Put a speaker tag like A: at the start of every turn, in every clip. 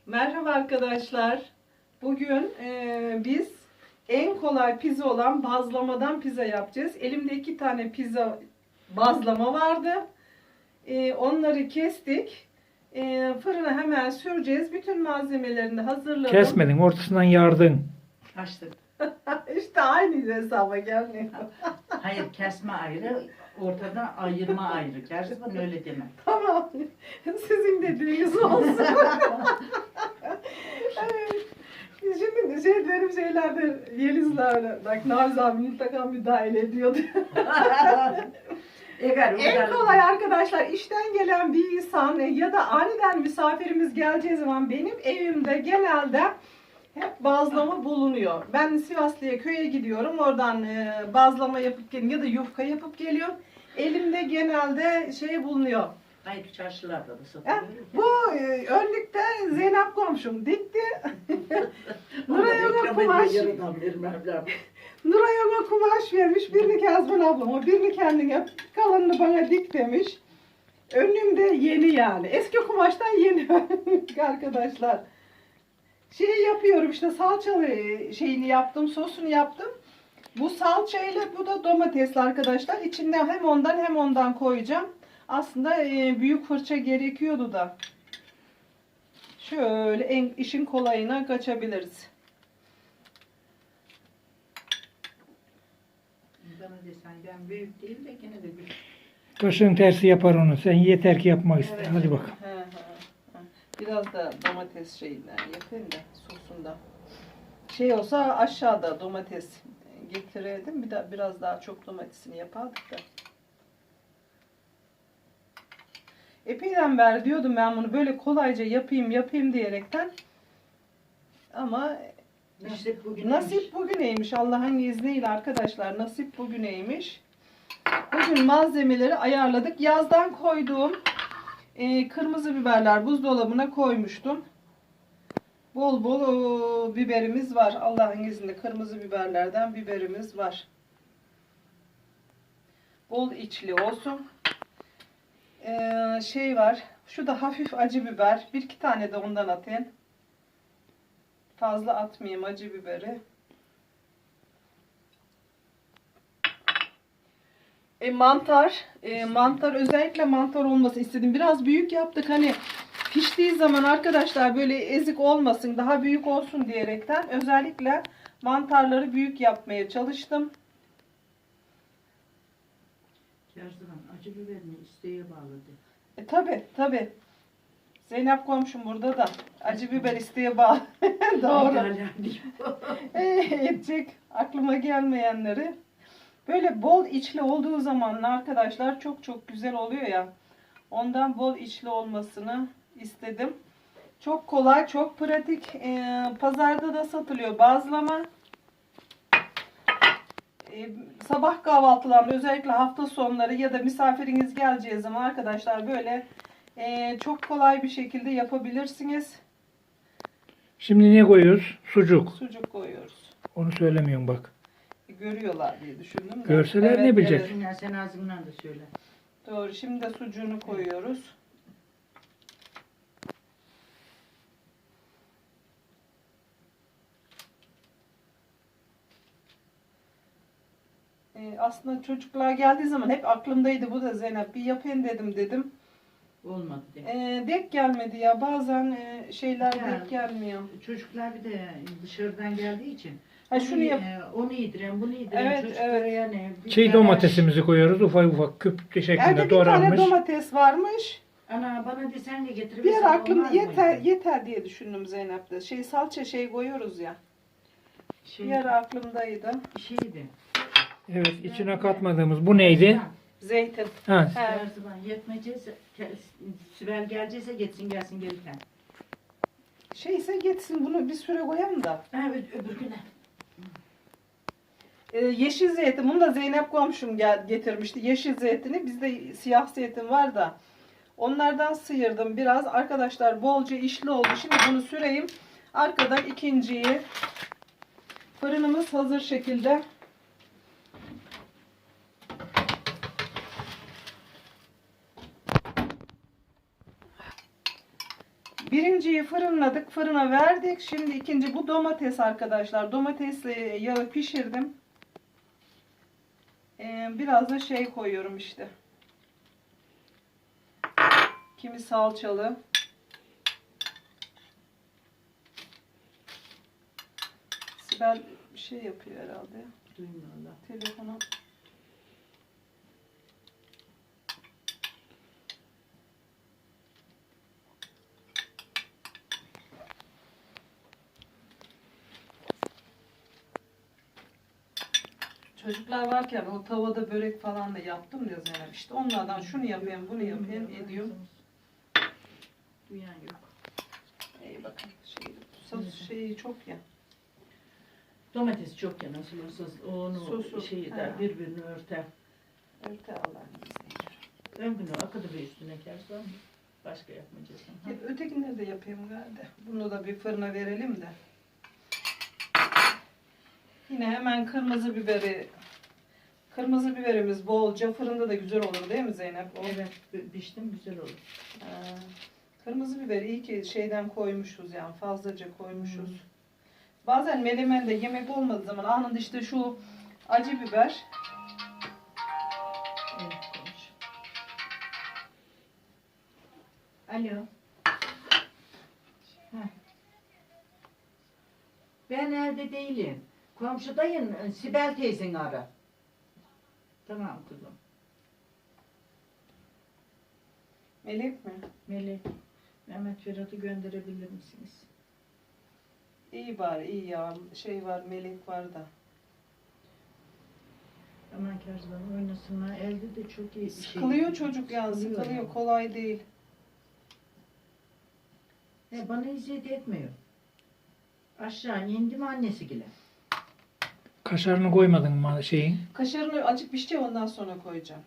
A: Merhaba arkadaşlar. Bugün biz en kolay pizza olan bazlamadan pizza yapacağız. Elimde 2 tane pizza bazlama vardı. Onları kestik. Fırına hemen süreceğiz. Bütün malzemelerini de hazırladım.
B: Kesmedin, ortasından yardın.
C: Açtık.
A: İşte aynı hesaba gelmiyor.
C: Hayır, kesme ayrı, ortadan ayırma ayrı. Gerçekten öyle deme.
A: Tamam. Sizin dediğiniz olsun. Evet. Şimdi benim şeylerde Yeliz'le bak Naviz abi mutlaka müdahale ediyordu. En kolay arkadaşlar işten gelen bir insan ya da aniden misafirimiz geleceği zaman benim evimde genelde hep bazlama bulunuyor. Ben Sivaslı'ya köye gidiyorum. Oradan bazlama yapıp geliyorum ya da yufka yapıp geliyorum. Elimde genelde şey bulunuyor.
C: Hayır, çarşılarda da
A: Ya,
C: satılıyor.
A: bu önlükte Zeynep komşum dikti. Nuray ona kumaş, Nuray ona kumaş vermiş. Birini Kazman ablama, birini kendine, kalanını bana dik demiş. Önlüğüm de yeni yani. Eski kumaştan yeni arkadaşlar. Şey yapıyorum işte salçalı şeyini yaptım, sosunu yaptım. Bu salçayla bu da domatesli arkadaşlar. İçinde hem ondan koyacağım. Aslında büyük fırça gerekiyordu da. Şöyle işin kolayına kaçabiliriz.
C: Bana desen ben büyük değil de gene de büyük.
B: Kaşığın tersi yapar onu. Sen yeter ki yapmak iste.
A: Evet.
B: Hadi bakalım.
A: He. Biraz da domates şeyinden yapayım da sosundan. Şey olsa aşağıda domates getirirdim. Biraz daha çok domatesini yapardık da. Epeyden beri diyordum ben bunu böyle kolayca yapayım diyerekten. Ama nasip bugüneymiş. Allah'ın izniyle arkadaşlar nasip bugüneymiş. Bugün malzemeleri ayarladık. Yazdan koyduğum kırmızı biberler buzdolabına koymuştum. Bol bol biberimiz var. Allah'ın izniyle kırmızı biberlerden biberimiz var. Bol içli olsun. Şey var. Şu da hafif acı biber. 1-2 tane de ondan atayım. Fazla atmayayım acı biberi. Mantar özellikle mantar olması istedim. Biraz büyük yaptık hani piştiği zaman arkadaşlar böyle ezik olmasın, daha büyük olsun diyerekten özellikle mantarları büyük yapmaya çalıştım.
C: Gerçekten acı biberini isteğe bağladı.
A: Tabi. Zeynep komşum burada da acı biber isteğe bağlı. Doğru. Edecek aklıma gelmeyenleri. Böyle bol içli olduğu zaman arkadaşlar çok güzel oluyor ya. Ondan bol içli olmasını istedim. Çok kolay, çok pratik. Pazarda da satılıyor bazlama. Sabah kahvaltılarında özellikle hafta sonları ya da misafiriniz geleceği zaman arkadaşlar böyle çok kolay bir şekilde yapabilirsiniz.
B: Şimdi ne koyuyoruz? Sucuk.
A: Sucuk koyuyoruz.
B: Onu söylemiyorum bak.
A: Görüyorlar diye düşündüm de.
B: Görseler ne bilecek?
C: Evet. Sen ağzından da söyle.
A: Doğru. Şimdi de sucuğunu koyuyoruz. Aslında çocuklar geldiği zaman hep aklımdaydı bu da Zeynep. Bir yapayım dedim.
C: Olmadı değil.
A: Denk gelmedi ya. Bazen şeyler
C: Ya,
A: denk gelmiyor.
C: Çocuklar bir de dışarıdan geldiği için
A: Ha, şunu yap.
C: onu yediren, bunu yediren
A: Evet,
C: çocuklara
A: evet.
C: yani.
B: Çiğ domatesimizi koyuyoruz. Ufak küp
A: Evde
B: şeklinde
A: bir tane
B: doğranmış.
A: domates varmış.
C: Ana bana desen de
A: Bir
C: getirebilirsin.
A: ara aklımda yeter diye düşündüm Zeynep'te. Salça koyuyoruz ya. Bir ara aklımdaydı.
C: Şeydi.
B: Evet, içine katmadığımız. Bu neydi?
A: Zeytin.
B: Ha,
A: He.
C: Her zaman yetmeyecekse Sibel gelecekse gelsin gelirken.
A: Şeyse geçsin bunu bir süre koyalım da.
C: Evet öbür güne.
A: Yeşil zeytin. Bunu da Zeynep komşum getirmişti. Yeşil zeytini. Bizde siyah zeytin var da. Onlardan sıyırdım biraz. Arkadaşlar bolca işli oldu. Şimdi bunu süreyim. Arkadan ikinciyi. Fırınımız hazır şekilde. Birinciyi fırınladık, fırına verdik. Şimdi ikinci bu domates arkadaşlar. Domatesle yağı pişirdim. Biraz da şey koyuyorum işte. Kimi salçalı. Sibel bir şey yapıyor herhalde.
C: Duymuyorlar.
A: Telefonu. Çocuklar varken o tavada börek falan da yaptım ya Zeynep. İşte onlardan şunu yapayım, bunu yapayım ediyorum.
C: Duyan yok.
A: İyi bakın. Sos şeyi çok ya.
C: Domates çok ya nasıl olsa onu
A: Sosu,
C: şeyi
A: ha.
C: de birbirini örter.
A: Örte Allah'ın izniyle.
C: Ön günü akıdı bir üstüne kersen başka yapmayacaksın. Ha?
A: Ötekileri de yapayım galiba. Bunu da bir fırına verelim de. Yine hemen kırmızı biberi. Kırmızı biberimiz bolca. Fırında da güzel olur değil mi Zeynep? O,
C: Evet piştim güzel olur.
A: kırmızı biberi iyi ki şeyden koymuşuz yani fazlaca koymuşuz. Bazen melemende yemek olmadığı zaman anında işte şu acı biber.
C: Evet konuş. Alo. Heh. Ben evde değilim. Komşudayım. Sibel teyzeni ara. Tamam kızım.
A: Melek mi?
C: Melek. Mehmet Ferhat'ı gönderebilir misiniz?
A: İyi bari iyi ya. Şey var melek var da.
C: Aman Kerzban oynasınlar. Elde de çok iyi bir şey.
A: Sıkılıyor çocuk ya sıkılıyor.
C: yani.
A: Kolay değil.
C: Bana eziyet etmiyor. Aşağı indi mi annesi gile.
B: Kaşarını koymadın mı şeyin?
A: Kaşarını açık pişeceğim ondan sonra koyacağım.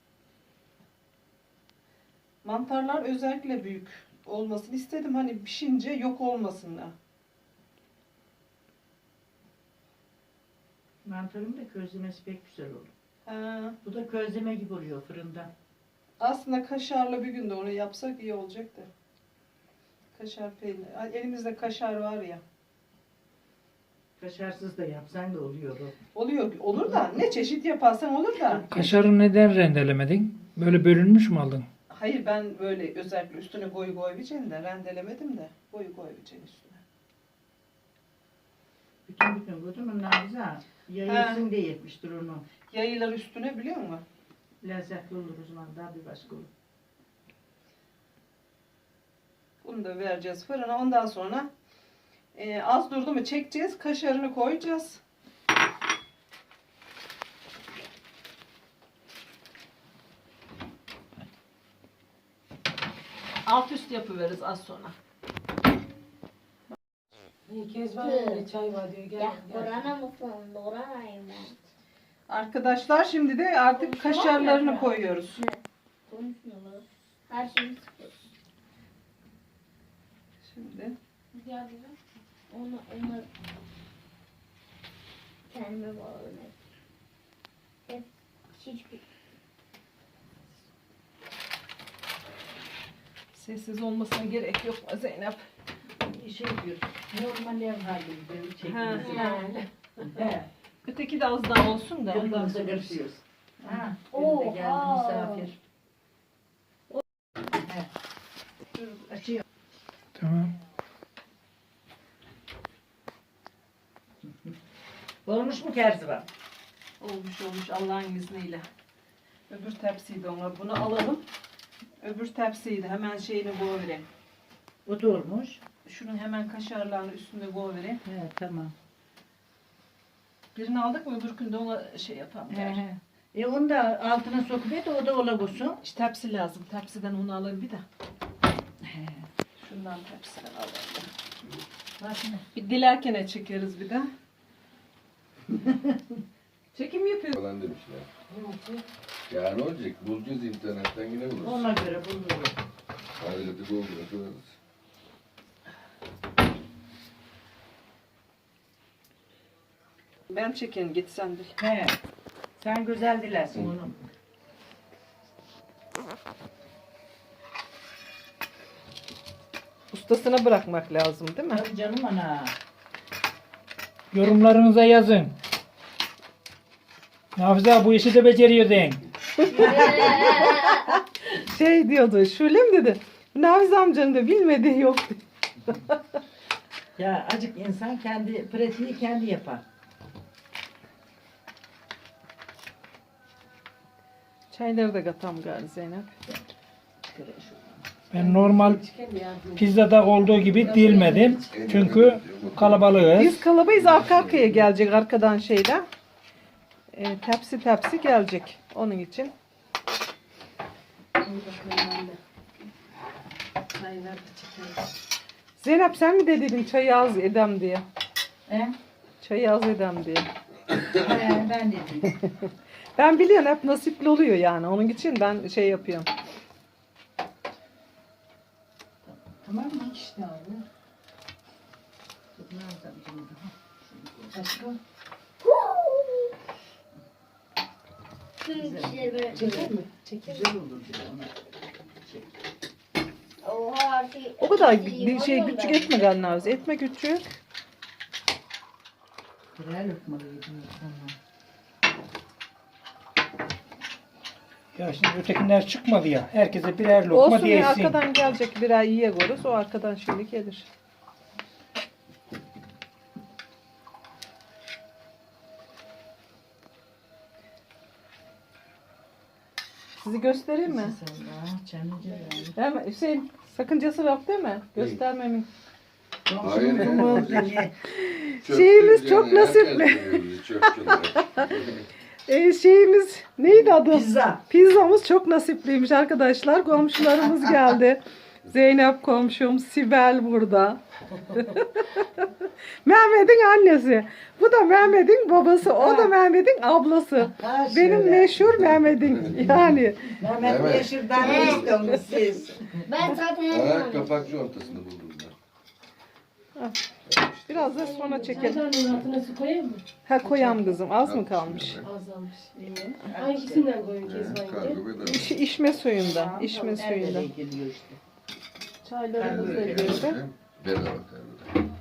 A: Mantarlar özellikle büyük olmasını istedim. Hani pişince yok olmasınlar.
C: Mantarın da közlemesi pek güzel olur.
A: Ha,
C: Bu da közleme gibi oluyor fırında.
A: aslında kaşarlı bir gün de onu yapsak iyi olacak da. Kaşar peynir. Elimizde kaşar var ya.
C: Kaşarsız da yapsan da oluyor o.
A: Oluyor, olur da ne çeşit yaparsan olur da.
B: Kaşarı neden rendelemedin? Böyle bölünmüş mü aldın?
A: Hayır ben böyle özellikle üstüne koyacaksın de rendelemedim de koyacaksın üstüne.
C: Bütün gördün mü Navize? Yayılsın diye yetmiştir onu.
A: Yayılar üstüne biliyor musun?
C: Lezzetli olur o zaman daha bir başka olur.
A: Bunu da vereceğiz fırına. Ondan sonra az durdu mu çekeceğiz. Kaşarını koyacağız. Alt üst yapıveririz az sonra.
D: Kezban öyle çay var diyor. Gel.
E: Ya Kur'an'a mısın? Kur'an'ayım ben.
A: Arkadaşlar şimdi de artık kaşarlarını koyuyoruz.
E: Ne? Konuşmuyorlar. Her şeyi sıkıyoruz.
A: Şimdi
E: Onu kendime bağlamak. Hep hiçbir
A: sessiz olmasına gerek yok mu Zeynep?
C: Bir şey diyoruz. Normal ev halinde çekimizi.
E: yani.
C: He.
A: Öteki de az daha olsun da ondan
C: Yanımıza
A: sonra.
C: görüşüyoruz. Ha,
E: Oha.
C: benim de geldi misafir. He. Dur, açıyor.
B: Tamam.
C: Olmuş mu Kerzivan?
A: Olmuş Allah'ın izniyle. Öbür tepsiyi de ona bunu alalım. Öbür tepsiyi de hemen şeyini koyvereyim.
C: O da olmuş.
A: Şunun hemen kaşarlarını üstüne koyvereyim.
C: He, tamam.
A: Birini aldık mı öbürkünde ona şey yapalım.
C: He, he. Onu da altına sokup o da olabilir.
A: İşte tepsi lazım. Tepsiden onu alayım bir de.
C: He.
A: Şundan tepsiden alayım.
C: Bak ne?
A: Bir dilerken çekeriz bir de. Çekim yapıyor.
F: Falan demişler. Ya ne olacak? Bulacağız internetten yine buluruz.
C: Ona göre buluruz.
F: Adresi Google'a koyarız.
A: Ben çekeyim git sen de.
C: He. Sen güzel dilersin onu.
A: Ustasına bırakmak lazım değil mi?
C: Tabii canım ana.
B: Yorumlarınıza yazın. Nafize bu işi de beceriyor deyin.
A: Şey diyordu, Şulem dedi. Naviz amcanın da bilmediği yok.
C: Ya acık insan kendi pratiği kendi yapar.
A: Çayları da katam gari Zeynep.
B: Ben normal pizzada olduğu gibi dilmedim. Çünkü kalabalığız.
A: Biz kalabayız, arka arkaya gelecek arkadan şeyler. Tepsi tepsi gelecek onun için.
D: Çaylar da çekelim.
A: Zeynep sen mi dedin çayı az edem diye?
C: He?
A: Çayı az edem diye.
C: Ben dedim.
A: Ben biliyorum hep nasipli oluyor yani. Onun için ben şey yapıyorum.
C: Tamam mı?
D: İşte abi. Başka?
E: Tüm kişileri böyle.
D: Çeker mi? Çeker.
C: Güzel olur diyor ona.
E: Oha her şey.
A: O kadar
E: hepsi
A: bir şey
E: yiyorum
A: küçük
E: ben.
A: etme Gannavuz. Etme küçük.
C: Birer lokmalı yedim sonra.
B: Ya şimdi ötekiler çıkmadı ya. Herkese birer lokma
A: Olsun ya,
B: diyetsin.
A: arkadan gelecek birer iyiye goruz. O arkadan şimdi gelir. Sizi göstereyim mi? Hemen Hüseyin sakıncası yok değil mi? Göstermemin.
F: Hayır.
A: Şeyimiz
F: Çöpçü
A: çok
F: yani,
A: nasipli.
F: herkes biliyor bizi, çöpçüler.
A: Şeyimiz neydi adı?
C: Pizza.
A: Pizzamız çok nasipliymiş arkadaşlar. Komşularımız geldi. Zeynep komşum, Sibel burada. Mehmet'in annesi. Bu da Mehmet'in babası. O da Mehmet'in ablası. Benim meşhur Mehmet'in yani.
C: Mehmet
F: Evet.
C: Yeşil'den ne istiyorsunuz siz?
E: Ben zaten
F: Ha,
E: yapmadım.
F: kapak contasını buldum ben.
A: Biraz da sonra çekelim.
D: Çaydanın altına su koyayım mı?
A: Ha koyam kızım. Az mı kalmış?
D: Azalmış. Hangisinden koyayım Kezban
F: Kargo
D: yenge?
F: bedava.
A: İşme suyundan. İşme suyundan.
C: geliyor işte.
A: Çaylarımız da
F: Kargo
A: girdi.
F: bedava kargo.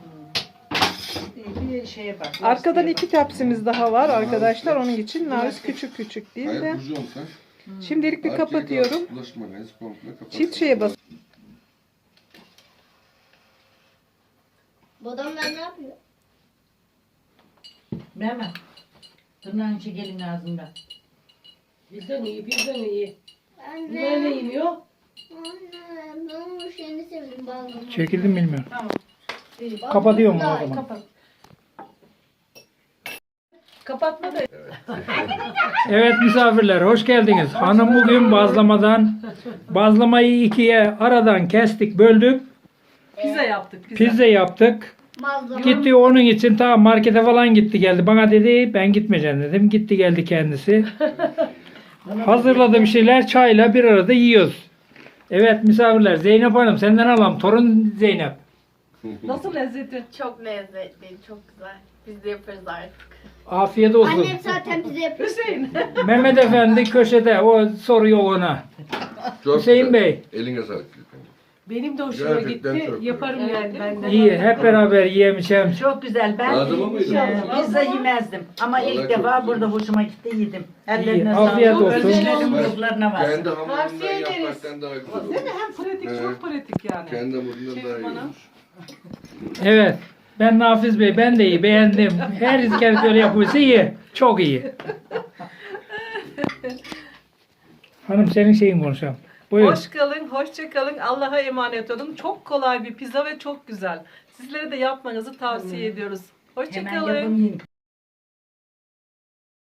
C: Bir şeye bak.
A: Arkadan 2 tepsimiz daha var arkadaşlar. Onun için Naviz küçük küçük değil
F: Hayır,
A: de.
F: burjonsa.
A: Şimdilik bir kapatıyorum.
F: Bulaşık makinesi komple kapat.
A: Çift şeye bas.
E: Bu adamlar ne yapıyor?
C: Mehmet. Tırnağını çekelim ağzından.
D: Bizden iyi, bizden iyi.
E: Anne.
D: Bunlar ne yemiyor?
E: Anne. Ben onun şeyini sevdim balgamı.
B: Çekildim bilmiyorum.
D: İyi.
B: Kapatıyorum o zaman.
D: Kapat. Kapatma da.
B: Evet misafirler hoş geldiniz. Hanım bugün bazlamayı ikiye aradan kestik, böldük.
A: Pizza yaptık.
B: Pizza yaptık.
E: Malzeme.
B: Gitti onun için ta markete falan gitti geldi. Bana dedi ben gitmeyeceğim dedim. Gitti geldi kendisi. Hazırladı bir şeyler çayla bir arada yiyoruz. Evet misafirler Zeynep Hanım senden alalım. Torun Zeynep.
A: Nasıl lezzeti?
G: Çok lezzetli, çok güzel. Biz de yaparız artık.
B: Afiyet olsun.
E: Annem zaten bize yapıyor.
A: Hüseyin.
B: Mehmet Efendi köşede o soruyor ona.
F: Çok
B: Hüseyin
F: güzel.
B: Bey.
F: Eline sağlık.
D: Benim de hoşuma
F: Gerçekten
D: gitti.
F: çok
D: Yaparım
G: güzel.
D: yani ben de.
B: İyi hep beraber yiyemişim.
C: Çok güzel. Ben
F: Ağzıma mıydı?
C: pizza yemezdim. Ama
F: Vallahi
C: ilk
F: çok
C: defa
F: güzel.
C: burada hoşuma gitti yedim.
B: İyi,
C: Ellerine
B: afiyet
C: sağlık.
B: olsun.
C: Özlerim
F: Ben
C: ruhlarına var.
F: Kendi hamurundan
D: Tavsiye ederiz.
F: yapmaktan daha güzel olur.
A: Değil mi? Hem pratik,
F: Evet.
A: çok pratik yani.
F: Kendi hamurundan
A: Şey
F: daha iyi
A: bana.
F: olur.
B: Evet. Ben Nafiz Bey ben de iyi beğendim. Her kere böyle yapıyorsa iyi. Çok iyi. Hanım senin şeyin konuşalım. Buyur.
H: Hoş kalın, hoşça kalın. Allah'a emanet olun. Çok kolay bir pizza ve çok güzel. Sizlere de yapmanızı tavsiye ediyoruz. Hoşça
C: Hemen
H: kalın.
C: yapın yiyin.